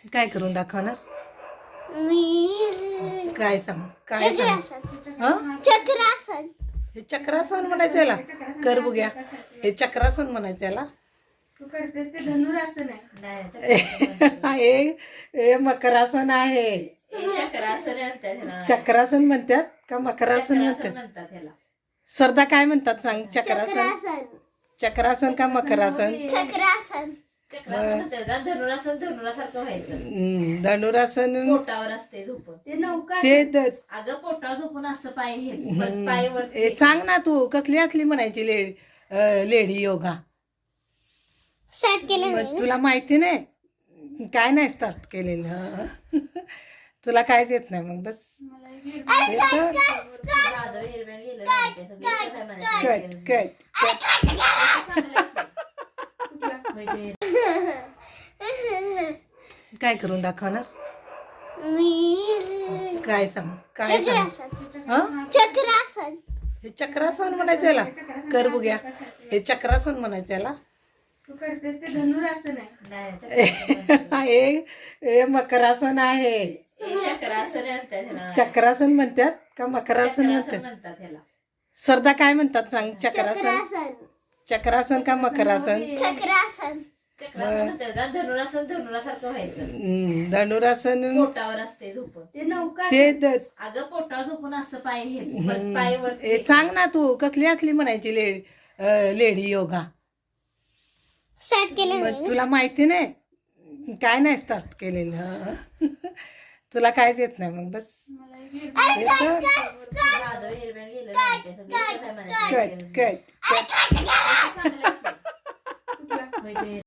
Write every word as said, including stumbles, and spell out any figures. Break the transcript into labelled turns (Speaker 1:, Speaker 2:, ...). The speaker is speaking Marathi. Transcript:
Speaker 1: काय करून दाखवणार?
Speaker 2: मी
Speaker 1: काय सांग काय सांग
Speaker 2: चक्रासन
Speaker 1: हं?
Speaker 2: चक्रासन
Speaker 1: हे चक्रासन म्हणायचं याला. कर बघूया. हे चक्रासन म्हणायचं याला.
Speaker 3: तू करतेस ते धनुरासन आहे.
Speaker 1: हे हे मकरासन आहे. चक्रासन म्हणतात का मकरासन म्हणतात? स्वर्धा काय म्हणतात सांग? चक्रासन
Speaker 2: चक्रासन
Speaker 1: चक्रासन का मकरासन?
Speaker 2: चक्रासन
Speaker 4: धनुरासन धनुरासारखं व्हायचं.
Speaker 1: हम्म, धनुरासन
Speaker 4: पोटावर असते झोपून.
Speaker 3: ते नौका
Speaker 1: ते द-
Speaker 4: अगं पोटावर झोपून असं पाय हे
Speaker 1: हम्म.
Speaker 4: पाय वर
Speaker 1: हे सांग ना तू कसली असली म्हणायची लेडी अं, लेडी योगा.
Speaker 2: स्टार्ट केलं
Speaker 1: मग
Speaker 2: मी
Speaker 1: तुला माहिती नाही काय नाही स्टार्ट केलेलं हं. तुला कायच येत नाही मग बस
Speaker 3: मला हे
Speaker 1: येतं.
Speaker 4: दादर हिरव्याने गेलं नाही ते सगळं कसं आहे म्हणायचं.
Speaker 1: कट कट
Speaker 4: म्हणजे
Speaker 1: काय करून दाखवणार?
Speaker 2: मी
Speaker 1: काय सांग काय सांग
Speaker 2: चक्रासन
Speaker 1: हं?
Speaker 2: चक्रासन
Speaker 1: हे चक्रासन म्हणायचं याला. कर बघूया. हे चक्रासन म्हणायचं याला.
Speaker 3: तू करतेस ते धनुरासन आहे.
Speaker 4: नाही
Speaker 1: हे हे मकरासन आहे.
Speaker 4: चक्रासन म्हणतात ह्याला.
Speaker 1: चक्रासन म्हणतात का मकरासन
Speaker 4: चक्रासन
Speaker 1: म्हणतात?
Speaker 4: म्हणतात ह्याला.
Speaker 1: स्वर्धा काय म्हणतात सांग? चक्रासन
Speaker 2: चक्रासन
Speaker 1: चक्रासन का मकरासन?
Speaker 2: चक्रासन
Speaker 4: चक्रासन म्हणतात का धनुरासन धनुरासारखं व्हायचं.
Speaker 1: हम्म, धनुरासन
Speaker 4: पोटावर असते झोपून.
Speaker 3: ते नौका
Speaker 1: ते द-
Speaker 4: अगं पोटावर झोपून असं पाय हे
Speaker 1: हम्म.
Speaker 4: पाय वर
Speaker 1: हे सांग ना तू कसली असली म्हणायची लेडी अं, लेडी योगा.
Speaker 2: स्टार्ट केलं
Speaker 1: मग
Speaker 2: मी
Speaker 1: तुला माहिती नाही काय नाही स्टार्ट केलेलं हं. तुला कायच येत नाही मग बस
Speaker 3: मला हे
Speaker 1: येतं.
Speaker 4: दादर हिरव्याने गेलं नाही ते सगळं कसं आहे
Speaker 1: कट
Speaker 4: म्हणायचं.
Speaker 1: कट
Speaker 4: म्हणजे